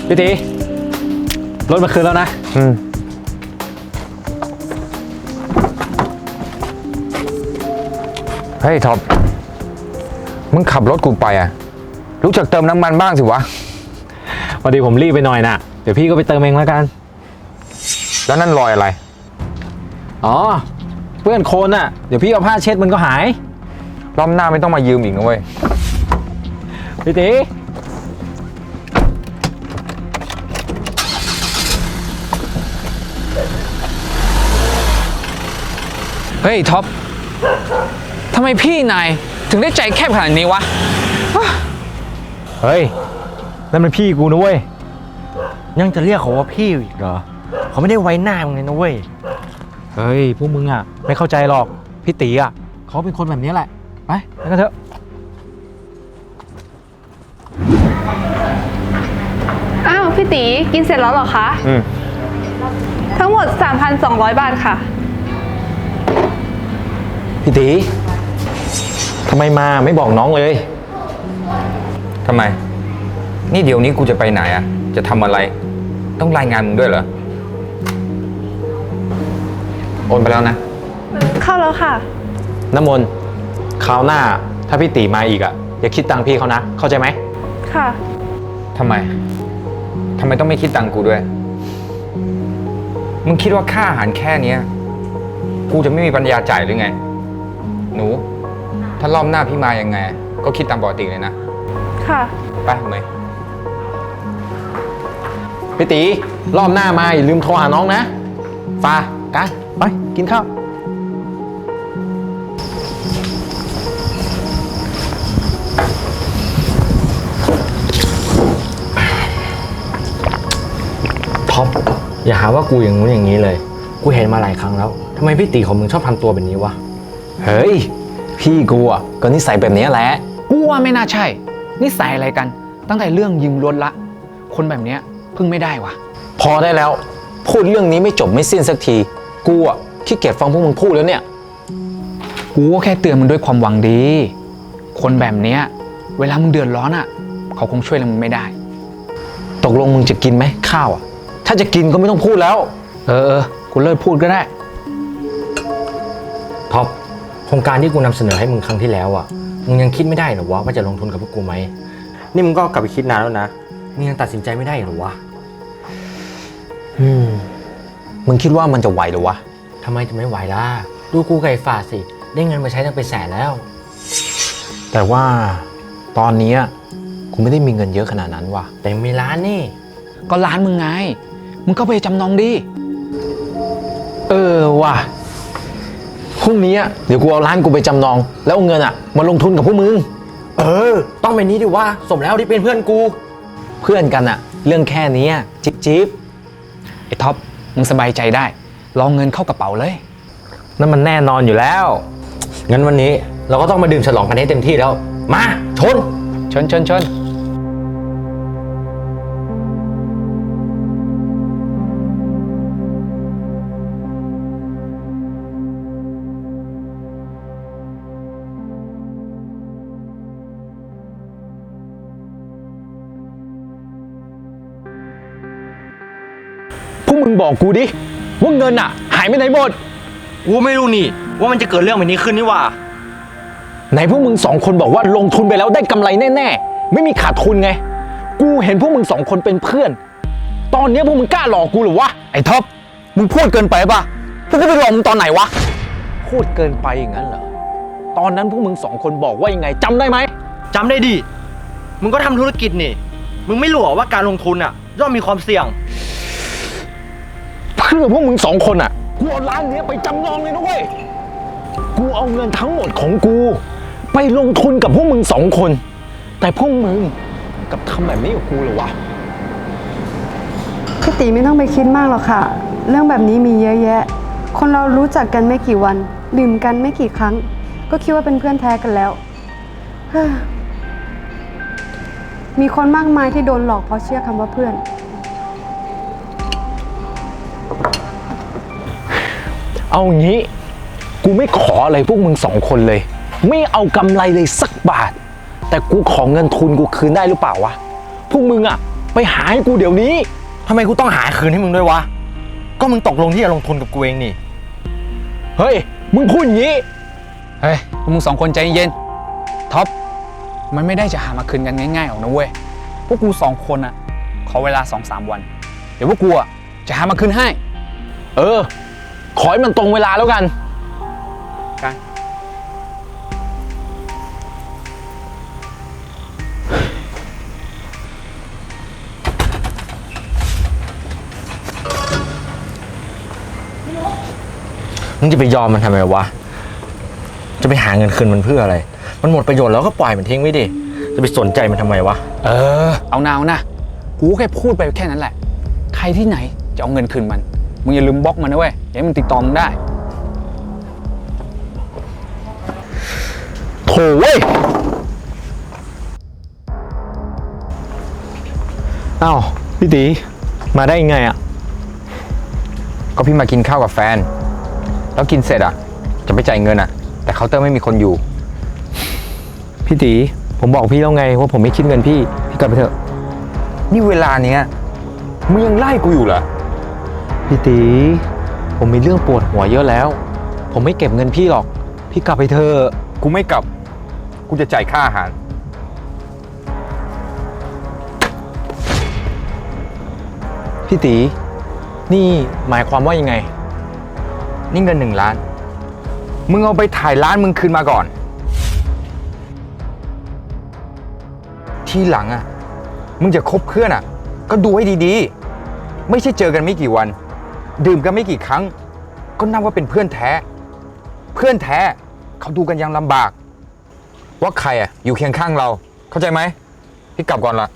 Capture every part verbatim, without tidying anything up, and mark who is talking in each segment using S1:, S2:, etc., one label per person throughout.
S1: พี่ตีรถมาคืนแล้วนะอืม
S2: เฮ้ยท็อปมึงขับรถกูไปอ่ะรู้จักเติมน้ำมันบ้างสิวะ
S1: พอดีผมรีบไปหน่อยนะเดี๋ยวพี่ก็ไปเติมเองแล้วกัน
S2: แล้วนั่นรอยอะไร
S1: อ๋อเปื้อนโคลนอ่ะเดี๋ยวพี่เอาผ้าเช็ดมันก็หาย
S2: รอบหน้าไม่ต้องมายืมอีกนะเว้ย
S1: พี่ตี
S3: เฮ้ยท็อปทำไมพี่นายถึงได้ใจแคบขนาดนี้วะ
S1: เฮ้ยนั่นเป็นพี่กูนะเว้ย
S4: ยังจะเรียกเขาว่าพี่อีกเหรอเขาไม่ได้ไว้หน้ามึงเลยนะเว้ย
S1: เฮ้ยพวกมึงอ่ะไม่เข้าใจหรอกพี่ตีอ่ะเขาเป็นคนแบบนี้แหละไปไปกันเถอะ
S5: อ้าวพี่ตีกินเสร็จแล้วเหรอคะ
S2: อืม
S5: ทั้งหมด สามพันสองร้อย บาทค่ะ
S1: พี่ตีทำไมมาไม่บอกน้องเลย
S2: ทำไมนี่เดี๋ยวนี้กูจะไปไหนอ่ะจะทำอะไรต้องรายงานมึงด้วยเหรอโอนไปแล้วนะ
S5: เข้าแล้วค่ะ
S1: น้ำมนต์คราวหน้าถ้าพี่ตีมาอีกอ่ะอย่าคิดตังค์พี่เขานะเข้าใจไหม
S5: ค่ะ
S2: ทำไมทำไมต้องไม่คิดตังค์กูด้วยมึงคิดว่าค่าอาหารแค่เนี้ยกูจะไม่มีปัญญาจ่ายหรือไงหนูถ้ารอบหน้าพี่มายังไงก็คิดตามปกติเลยนะ
S5: ค่ะ
S2: ไปเมย์
S1: พี่ตีรอบหน้ามาอย่าลืมโทรหาน้องนะฟ้ากันไปกินข้าว
S4: ท็อปอย่าหาว่ากูอย่างงู้นอย่างนี้เลยกูเห็นมาหลายครั้งแล้วทำไมพี่ตีของมึงชอบทำตัวแบบนี้วะ
S1: เฮ้ยพี่กูอ่ะก็นิสัยแบบนี้แหละ
S3: กูว่าไม่น่าใช่นิสัยอะไรกันตั้งแต่เรื่องยืมรถละคนแบบเนี้ยพึ่งไม่ได้วะ
S1: พอได้แล้วพูดเรื่องนี้ไม่จบไม่สิ้นสักทีกูอ่ะขี้เกียจฟังพวกมึงพูดแล้วเนี่ย
S3: กูก็แค่เตือนมึงด้วยความหวังดีคนแบบเนี้ยเวลามึงเดือดร้อนอ่ะเขาคงช่วยมึงไม่ได้
S1: ตกลงมึงจะกินไหมข้าวอ่ะถ้าจะกินก็ไม่ต้องพูดแล้ว
S3: เออเออกูเลิกพูดก็ได้
S4: ท็อปโครงการที่กูนำเสนอให้มึงครั้งที่แล้วอ่ะมึงยังคิดไม่ได้หรอวะว่าจะลงทุนกับพวกกูไหมนี่มึงก็กลับไปคิดนานแล้วนะมึงยังตัดสินใจไม่ได้หรอวะ
S1: อืมมึงคิดว่ามันจะไหวหรือวะ
S4: ทำไมจะไม่ไหวล่ะดูกูไก่ฝาดสิได้เงินมาใช้ตั้งเป็นแสนแล้ว
S1: แต่ว่าตอนนี้กูไม่ได้มีเงินเยอะขนาดนั้นว่ะ
S4: แต่มีร้านนี่
S3: ก็ร้านมึงไงมึงก็ไปจำนองดิ
S1: เออว่ะพรุ่งนี้เดี๋ยวกูเอาร้านกูไปจำนองแล้วเอาเงินอ่ะมาลงทุนกับพวกมึง
S4: เออต้องเป็นนี้ดิว่าสมแล้วที่เป็นเพื่อนกู
S1: เพื่อนกันอ่ะเรื่องแค่นี้จิ๊บจิ๊บ
S3: ไอ้ท็อปมึงสบายใจได้ลองเงินเข้ากระเป๋าเลย
S1: นั่นมันแน่นอนอยู่แล้ว
S4: งั้นวันนี้เราก็ต้องมาดื่มฉลองกันให้เต็มที่แล้วมาชน
S3: ชนชนชน
S1: พวกมึงบอกกูดิว่าเงินอ่ะหายไปไหนหมด
S4: กูไม่รู้นี่ว่ามันจะเกิดเรื่องแบบนี้ขึ้นนี่ว่า
S1: ไหนพวกมึงสองคนบอกว่าลงทุนไปแล้วได้กำไรแน่ๆไม่มีขาดทุนไงกูเห็นพวกมึงสองคนเป็นเพื่อนตอนนี้พวกมึงกล้าหลอกกูหรือวะไอ้ท็อปมึงพูดเกินไปป่ะพวกกูไปหลอกมึงตอนไหนวะพูดเกินไปอย่างนั้นเหรอตอนนั้นพวกมึงสองคนบอกว่ายังไงจำได้ไหม
S4: จำได้ดิมึงก็ทำธุรกิจนี่มึงไม่รู้ว่าการลงทุนอ่ะย่อมมีความเสี่ยง
S1: เพื่อพวกมึงสองคนอ่ะกูเอาร้านนี้ไปจำนองเลยนะเว้ยกูเอาเงินทั้งหมดของกูไปลงทุนกับพวกมึงสองคนแต่พวกมึงกับทำแบบนี้กับกูเหรอวะ
S5: พี่ตีไม่ต้องไปคิดมากหรอกค่ะเรื่องแบบนี้มีเยอะแยะคนเรารู้จักกันไม่กี่วันดื่มกันไม่กี่ครั้งก็คิดว่าเป็นเพื่อนแท้กันแล้วมีคนมากมายที่โดนหลอกเพราะเชื่อคำว่าเพื่อน
S1: เอางี้กูไม่ขออะไรพวกมึงสองคนเลยไม่เอากำไรเลยสักบาทแต่กูขอเงินทุนกูคืนได้หรือเปล่าวะพวกมึงอ่ะไปหาให้กูเดี๋ยวนี้
S4: ทำไมกูต้องหาคืนให้มึงด้วยวะ ก็มึงตกลงที่จะลงทุนกับกูเองนี่
S1: เฮ้ย มึงพูดอย่างนี้
S3: เฮ้ยพวกมึงสองคนใจเย็นท็อปมันไม่ได้จะหามาคืนกันง่ายๆหรอกนะเว้ยพวกกูสองคนอะขอเวลาสองสามวัน เดี๋ยวพวกกูอะจะหามาคืนให้
S1: เออ ขอให้มันตรงเวลาแล้วกัน
S3: กัน
S4: มึงจะไปยอมมันทำไมวะ จะไปหาเงินคืนมันเพื่ออะไร มันหมดประโยชน์แล้วก็ปล่อยมันทิ้งไว้ดิ จะไปสนใจมันทำไมวะ
S3: เออ เอานาวนะกูแค่พูดไปแค่นั้นแหละ ใครที่ไหนจะเอาเงินคืนมัน มึงอย่าลืมบล็อกมันนะเว้ยอย่าให้มันติดต่อมึงได้
S1: โถเว้ยอ้าวพี่ตีมาได้ยังไงอะ
S2: ก็พี่มากินข้าวกับแฟน แล้วกินเสร็จอ่ะ จะไปจ่ายเงินอ่ะ แต่เคาน์เตอร์ไม่มีคนอยู่
S1: พี่ตีผมบอกพี่แล้วไงว่าผมไม่คิดเงินพี่ พี่กลับไปเถอะ
S2: นี่เวลาเนี้ยมึงยังไล่กูอยู่เหรอ
S1: พี่ตีผมมีเรื่องปวดหัวเยอะแล้ว ผมไม่เก็บเงินพี่หรอก พี่กลับไปเถอะ
S2: กูไม่กลับ กูจะจ่ายค่าอาหาร
S1: พี่ตีนี่หมายความว่ายังไง
S2: นี่เงินหนึ่งล้าน มึงเอาไปถ่ายร้านมึงคืนมาก่อน ทีหลังอ่ะ มึงจะคบเพื่อนอ่ะ ก็ดูให้ดีๆ ไม่ใช่เจอกันไม่กี่วัน ดื่มกันไม่กี่ครั้ง ก็นับว่าเป็นเพื่อนแท้ เพื่อนแท้เขาดูกันยังลำบาก ว่าใครอ่ะอยู่เคียงข้างเรา เข้าใจไหม พี่กลับก่อนละ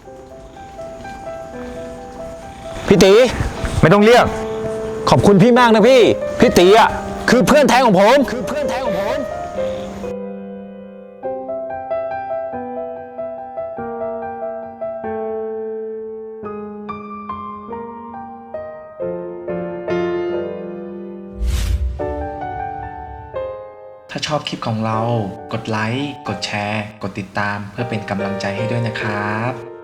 S1: พี่ตี
S2: ไม่ต้องเรียก
S1: ขอบคุณพี่มากนะพี่ พี่ตีอ่ะคือเพื่อนแท้ของผม คือเพื่อนแท้ของผม
S6: ถ้าชอบคลิปของเรา กดไลค์ กดแชร์ กดติดตามเพื่อเป็นกำลังใจให้ด้วยนะครับ